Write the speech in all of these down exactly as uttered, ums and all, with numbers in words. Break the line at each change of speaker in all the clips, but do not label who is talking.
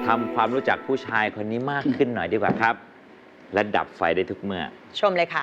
ทำความรู้จักผู้ชายคนนี้มากขึ้นหน่อยดีกว่าครับและดับไฟได้ทุกเมื่อ
ชมเลยค่ะ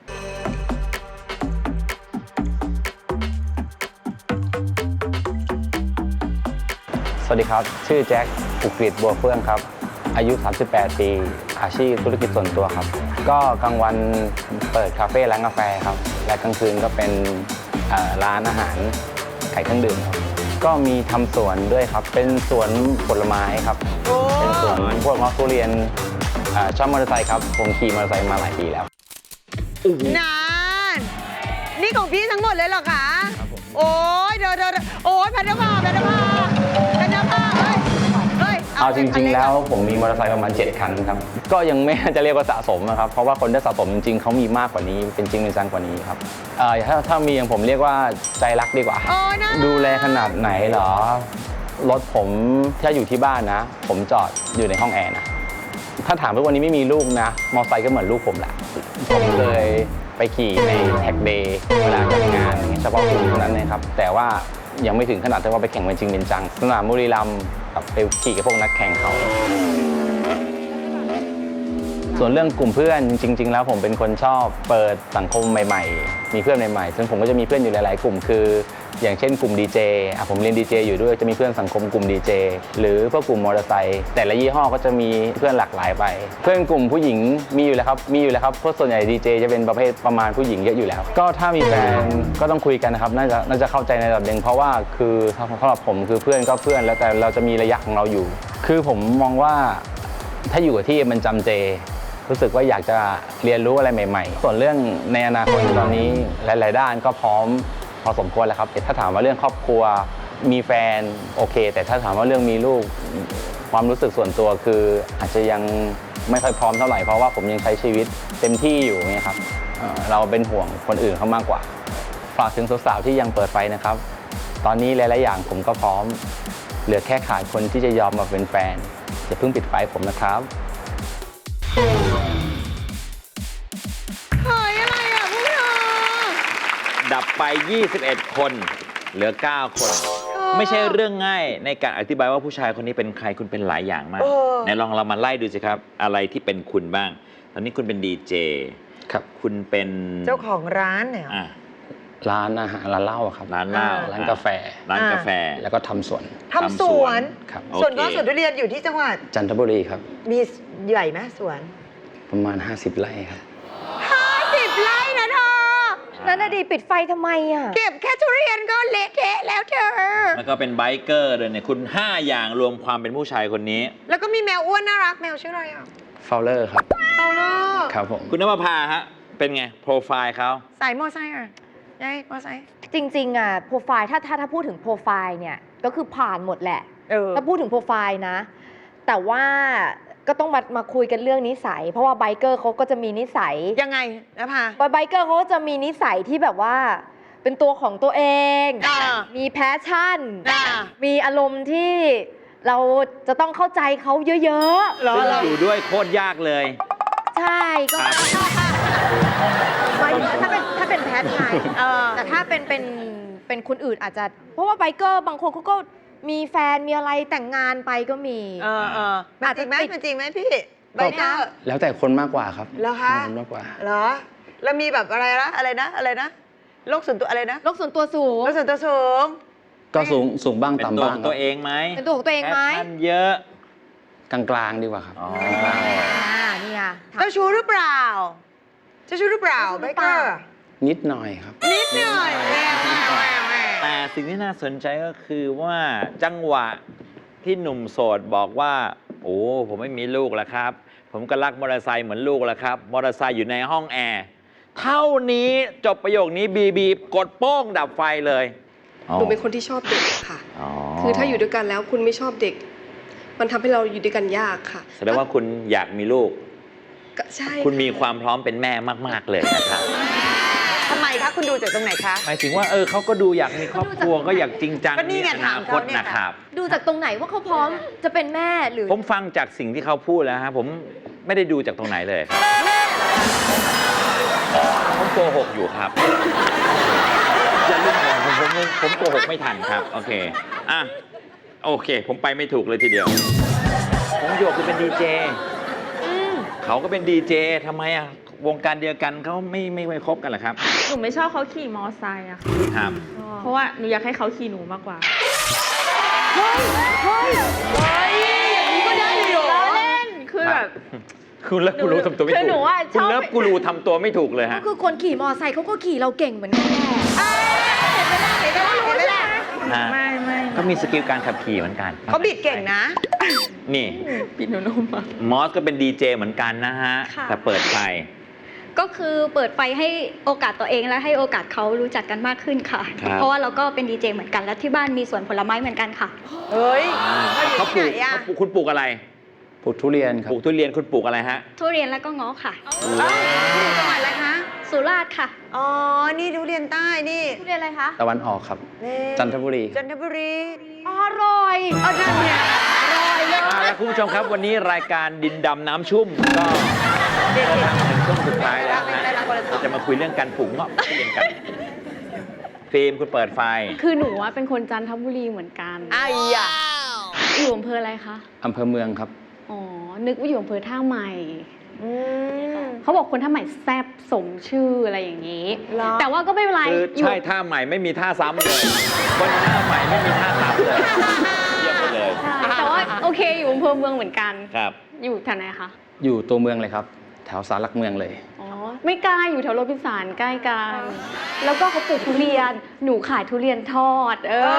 สวัสดีครับชื่อแจ็คอุกฤษบัวเฟื่องครับอายุสามสิบแปดปีอาชีพธุรกิจส่วนตัวครับก็กลางวันเปิดคาเฟ่ร้านกาแฟครับและกลางคืนก็เป็นร้านอาหารขายเครื่องดื่มครับก็มีทำสวนด้วยครับเป็นสวนผลไม้ครับเป็นสวนพวกมะทุเรียนชอบมอเตอร์ไซค์ครับผมขี่มอเตอร์ไซค์มาหลายปีแล้ว
นานนี่ของพี่ทั้งหมดเลยเหรอคะโอ้ยเดี๋ยวเดี๋ยวโอ้ยพันธภาพันธภาพันธภาเฮ้ยเฮ้ย
เอาจริงๆแล้วผมมีมอเตอร์ไซค์ประมาณเจ็ดคันครับก็ยังไม่จะเรียกว่าสะสมนะครับเพราะว่าคนที่สะสมจริงๆเขามีมากกว่านี้เป็นจริงเป็นจังกว่านี้ครับถ้าถ้ามีอย่างผมเรียกว่าใจรักดีกว่าดูแลขนาดไหนเหรอรถผมถ้าอยู่ที่บ้านนะผมจอดอยู่ในห้องแอร์นะถ้าถามว่าวันนี้ไม่มีลูกนะมอเตอร์ไซค์ก็เหมือนลูกผมแหละผมเลยไปขี่ในแท็กเดย์เวลาจัดงานเฉพาะกลุ่มเท่านั้นนะครับแต่ว่ายังไม่ถึงขนาดที่ว่าไปแข่งเป็นจริงเป็นจังสนามบุรีรัมย์ไปขี่กับพวกนักแข่งเขาส่วนเรื่องกลุ่มเพื่อนจริงๆแล้วผมเป็นคนชอบเปิดสังคมใหม่ๆมีเพื่อนใหม่ๆซึ่งผมก็จะมีเพื่อนอยู่หลายๆกลุ่มคืออย่างเช่นกลุ่มดีเจผมเรียนดีเจอยู่ด้วยจะมีเพื่อนสังคมกลุ่มดีเจหรือพวกกลุ่มมอเตอร์ไซค์แต่ละยี่ห้อก็จะมีเพื่อนหลากหลายไปเพื่อนกลุ่มผู้หญิงมีอยู่แล้วครับมีอยู่แล้วครับเพราะส่วนใหญ่ดีเจจะเป็นประเภทประมาณผู้หญิงเยอะอยู่แล้วก็ถ้ามีแฟนก็ต้องคุยกันนะครับน่าจะน่าจะเข้าใจในระดับหนึ่งเพราะว่าคือสำหรับผมคือเพื่อนก็เพื่อนแล้วแต่เราจะมีระยะของเราอยู่คือผมมองว่าถ้าอยู่กับที่มันจำเจรู้สึกว่าอยากจะเรียนรู้อะไรใหม่ๆส่วนเรื่องในอนาคตตอนนี้หลายๆด้านก็พร้อมพอสมควรแล้วครับถ้าถามว่าเรื่องครอบครัวมีแฟนโอเคแต่ถ้าถามว่าเรื่องมีลูกความรู้สึกส่วนตัวคืออาจจะยังไม่ค่อยพร้อมเท่าไหร่เพราะว่าผมยังใช้ชีวิตเต็มที่อยู่เนี่ยครับเราเป็นห่วงคนอื่นเขามากกว่าฝากถึงสาวๆที่ยังเปิดไฟนะครับตอนนี้หลายๆอย่างผมก็พร้อมเหลือแค่ขาดคนที่จะยอมมาเป็นแฟนอย่าเพิ่งปิดไฟผมนะครับ
เฮ้ยอะไรอ่ะพวกเธอ
ดับไปยี่สิบเอ็ดคนเหลือเก้าคนไม่ใช่เรื่องง่ายในการอธิบายว่าผู้ชายคนนี้เป็นใครคุณเป็นหลายอย่างมากไหนลองเรามาไล่ดูสิครับอะไรที่เป็นคุณบ้างตอนนี้คุณเป็นดีเจ
ครับ
คุณเป็น
เจ้าของร้านเนี่ย
ร้านอาหารร้านเหล้าครับ
ร้านเหล้า
ร้านกาแฟ
ร้านกาแฟ
แล้วก็ทำสวน
ทำสวน
ครับ
สวนก็สวนทุเรียนอยู่ที่จังหวัด
จันทบุรีครับ
มีใหญ่ไหมสวน
ประมาณห้าสิบไร่ครับ
ห้าสิบไร่นะเธอ
นั่นน่ะดีปิดไฟทำไมอ่ะ
เก็บแค่ทุเรียนก็เละเทะแล้วเธอ
แล้วก็เป็นไบเกอร์เลยเนี่ยคุณห้าอย่างรวมความเป็นผู้ชายคนนี้
แล้วก็มีแมวอ้วนน่ารักแมวชื่ออะไรอ่ะ
ฟาวเลอร์ครับ
ฟาวเลอร์
ครับผม
คุณนภพาฮะเป็นไงโปรไฟล์เขา
สายมอไซค์อ่ะยัยมอไซค์
จริงๆอ่ะโปรไฟล์ถ้าถ้าถ้าพูดถึงโปรไฟล์เนี่ยก็คือผ่านหมดแหละถ้าพูดถึงโปรไฟล์นะแต่ว่าก็ต้องมามาคุยกันเรื่องนิสัยเพราะว่าไบเกอร์เขาก็จะมีนิสัย
ยังไงนะพา
ไบเกอร์เขาจะมีนิสัยที่แบบว่าเป็นตัวของตัวเองมีแพชชั่นมีอารมณ์ที่เราจะต้องเข้าใจเขาเยอะ
ๆซึ่งอยู่ด้วยโคตรยากเลย
ใช่ก็ไม่ถ้าเป็นถ้าเป็นแพทไงแต่ถ้าเป็นเป็นเป็นคนอื่นอาจจะเพราะว่าไบเกอร์บางคนเขาก็มีแฟนมีอะไรแต่งงานไปก็มี
เออเอออาจจะไหมเป็นจริงไหมพี่ไบเกอร์
แล้วแต่คนมากกว่าครับ
แล้วคะ
มากกว่า
เหรอแล้วมีแบบอะไรนะอะไรนะอะไรนะโลกส่วนตัวอะไรนะ
โลกส่วนตัวสูง
โลกส่วนตัวสูง
ก็สูงสูงบ้างต่ำบ้าง
เป็นตัวเองไหม
เป็นตัวของตัวเองไหม
แพชชั่นเยอะ
กลางๆดีกว่าครับ
นี่ไง
เจ้าชู้หรือเปล่าเจ้าชู้หรือเปล่าไบเกอร์
นิดหน่อยครับ
นิดหน่อย
แต่สิ่งที่น่าสนใจก็คือว่าจังหวะที่หนุ่มโสดบอกว่าโอ้ผมไม่มีลูกแล้วครับผมก็รักมอเตอร์ไซค์เหมือนลูกแล้วครับมอเตอร์ไซค์อยู่ในห้องแอร์เท่านี้จบประโยคนี้บีบีกดโป้งดับไฟเลย
หนูเป็นคนที่ชอบเด็กค่ะคือถ้าอยู่ด้วยกันแล้วคุณไม่ชอบเด็กมันทำให้เราอยู่ด้วยกันยากค่ะ
แสดงว่าคุณอยากมีลูก
ใช่
คุณมีความพร้อมเป็นแม่มากๆเลยนะครับ
ทำไมคะคุณดูจากตรงไหนคะ
หมายถึงว่าเออเขาก็ดูอยากมีครอบครัวก็อยากจริงจัง
มีอนาคต
นะครับ
ดูจากตรงไหนว่าเขาพร้อมจะเป็นแม่หรือ
ผมฟังจากสิ่งที่เขาพูดแล้วฮะผมไม่ได้ดูจากตรงไหนเลยครับผมโกหกอยู่ครับอย่าลืมผมผมผมโกหกไม่ทันครับโอเคอ่ะโอเคผมไปไม่ถูกเลยทีเดียวของหยกคือเป็นดีเจเขาก็เป็นดีเจทำไมอ่ะวงการเดียวกันเขาไม่ไม่ไม่คบกันเหรอครับ
หนูไม่ชอบเขาขี่มอไซค์อะค่ะ
ครับ
เพราะว่าหนูอยากให้เขาขี่หนูมากกว่า
เฮ้ย เฮ้ย เฮ้ย อย่างนี้ก็ได้เลยเหรอ
เราเล่น คือแบบ
คุณเลิฟกูรูทำตัวไม่
คือ
ถู
หนู
ก
อะช
คุณ
อบ
เลิฟกูรูทำตัวไม่ถูกเลย
ก็
ฮะ
คือคนขี่มอไซค์เขาก็ขี่เราเก่งเหมือนกันแหละ
เห็นไหมล่ะเห็นไหมล่ะเห็นไหมล่ะ
ฮะ
ไม่ไม่
ก็มีสกิลการขับขี่เหมือนกัน
เขาบิดเก่งนะ
นี่
ปิดหนูนุ่มอะ
มอสก็เป็นดีเจเหมือนกันนะฮะ
ค่ะ
แต่เปิดไฟ
ก็คือเปิดไฟให้โอกาสตัวเองและให้โอกาสเขารู้จักกันมากขึ้นค่ะ
ครับ
เพราะว่าเราก็เป็นดีเจเหมือนกันและที่บ้านมีสวนผลไม้เหมือนกันค่ะ
เฮ้ย
อ่า
เขาอยู่
เขาปลู
ที่
ก
ไหนอะ
เขาปลูกคุณปลูกอะไร
ปลูกทุเรียนครั
ป
บ
ลูกทุเรียนคุณปลูกอะไรฮะ
ทุเรียนแล้วก็ง้อค่ะ
เอ้ยอยู่จังหวัดอะไรคะ
สุราษฎร์ค่ะ
อ๋อ นี่ทุเรียนใต้ นี่
ทุเรียนอะไรคะ
ตะวันออกครับ
นี่
จันทบุรี
จันทบุรี
อร่อย
เออนั่นเนี่ยอร่อยเลย
อ่าแล้วคุณผู้ชมครับวันนี้รายการดินดำน้ำชุ่มก็
เด็ด
มาถึงช่วงสุดท้ายแล้ว
ไม่
นะ
ได้รับคนละสอง
เราจะมาคุยเรื่องการปลูกเงาะทุเรียนกันฟิล์มคุณเปิดไฟ
คือหนูว่าเป็นคนจันทบุรีเหมือนกัน
ไอ้ยะ
อยู่อำเภออะไรคะ
อำเภอเมืองครับ
อ๋อ นึกว่าอยู่อำเภอท่าใหม่
อืม
เขาบอกคนท่าใหม่แซ่บสมชื่ออะไรอย่างนี้
เหรอ
แต่ว่าก็ไม่เป็นไร
คือ
อยู่
ใช่ท่าใหม่ไม่มีท่าซ้ำเลยคนท่าใหม่ไม่มีท่าซ้ำเลยเยี่ยมไปเลย
ใช่แต่ว่าโอเคอยู่อำเภอเมืองเหมือนกัน
ครับ
อยู่แถวไหนคะ
อยู่ตัวเมืองเลยครับ แถวสารหลักเมืองเลย
อ๋อ ไม่ไกลอยู่แถวโรบินสันใกล้กัน แล้วก็เขาปลูกทุเรียน หนูขายทุเรียนทอด เออ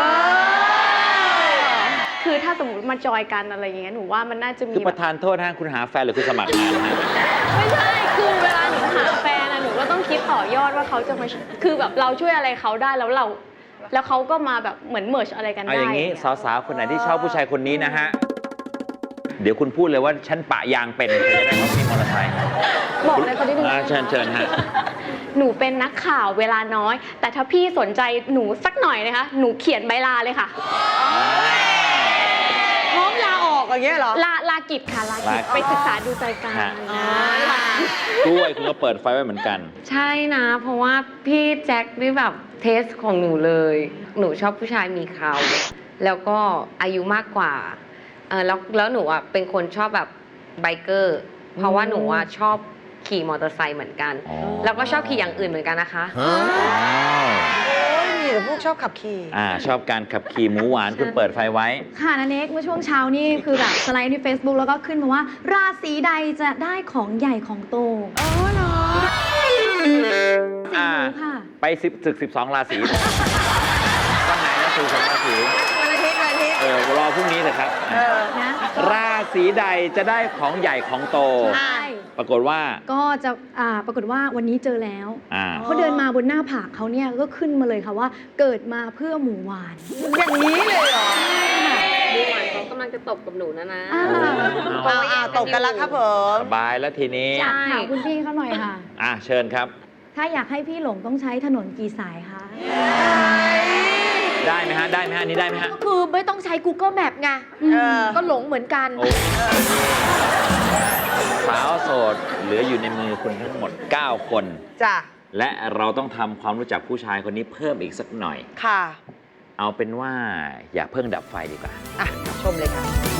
คือถ้าสมมติมาจอยกันอะไรอย่างเงี้ย หนูว่ามันน่าจะมี
คือป
แบ
ระ
บ
ธานโทษฮะคุณหาแฟนหรือคุณสมัครงานฮะ
ไม่ใช่ คือเวลาหนูหาแฟนอะหนูก็ต้องคิดต่อยอดว่าเขาจะมา คือแบบเราช่วยอะไรเขาได้แล้วเรา แล้วเขาก็มาแบบเหมือนเมิร์ชอะไรกันได้
เอาอย่างนี้
เงี้ย
สาวๆคนไหนที่ชอบผู้ชายคนนี้นะฮะเดี๋ยวคุณพูดเลยว่าฉันปะยางเป็นจะได้เขามีมอเตอร์ไซค์
บอกเลยเขาได้ดู
อ่าเชิญเชิญฮะ
หนูเป็นนักข่าวเวลาน้อย แต่ถ้าพี่สนใจหนูสักหน่อยนะคะ หนูเขียนใบลาเลยค่ะ
พร้อมลาออกอย่างเงี้ยเหรอ
ลาลากิจค่ะลากิจ
ลากิจ
ไปศึกษาดูใจกัน
ฮะ
นะ
กล้วยคุณก็เปิดไฟไว้เหมือนกัน
ใช่นะ เพราะว่าพี่แจ็คนี่แบบเทสของหนูเลย หนูชอบผู้ชายมีเขาแล้วก็อายุมากกว่าเออแล้วแล้วหนูอ่ะเป็นคนชอบแบบไบเกอร์ เพราะว่าหนูอ่ะชอบขี่มอเตอร์ไซค์เหมือนกัน
อ๋อ
แล้วก็ชอบขี่อย่างอื่นเหมือนกันนะคะ
อ้าว
โอ้ยมีแต่พวกชอบขับขี่
อ่าชอบการขับขี่หมูหวานคุณเปิดไฟไว้
ค่ะนันเน็กเมื่อช่วงเช้านี่คือแบบสไลด์ใน Facebook แล้วก็ขึ้นมาว่า ราศีใดจะได้ของใหญ่ของโต
อ๋อเหรอ
อ่า
ค่ะ
ไปสิบศึกสิบสองราศีวันไหนนะคือสองราศี
วันอาทิตย์วันอาทิตย์
เออรอพรุ่งนี้เถอะครับ
เออ
นะ
ราศีใดจะได้ของใหญ่ของโต
ใช่
ปรากฏว่า
ก็จะอ่าปรากฏว่าวันนี้เจอแล้ว
อ่า
เขาเดินมาบนหน้าผากเขาเนี่ยก็ขึ้นมาเลยค่ะว่า เกิดมาเพื่อหมูหวาน
อย่างนี้เลยเหรอ
ดูเหมือนเขากำลังจะตบกับหนูนะนะ
อ่า
เอาเอาตกกันแล้วครับผม
สบายแล้วทีนี้
ใช่
ถามคุณพี่เขาหน่อยค่ะ
อ่ะเชิญครับ
ถ้าอยากให้พี่หลงต้องใช้ถนนกี่สายคะ
ได้ไหมฮะ ได้ไหมฮะอันนี้ได้ไหมฮะ
ก็คือไม่ต้องใช้ Google Map ไง
เออ
ก็หลงเหมือนกัน
โอ้สาวโสดเหลืออยู่ในมือคุณทั้งหมด เก้า คน
จ้ะ
และเราต้องทำความรู้จักผู้ชายคนนี้เพิ่มอีกสักหน่อย
ค่ะ
เอาเป็นว่าอย่าเพิ่งดับไฟดีกว่า
อ่ะ ชมเลยค่ะ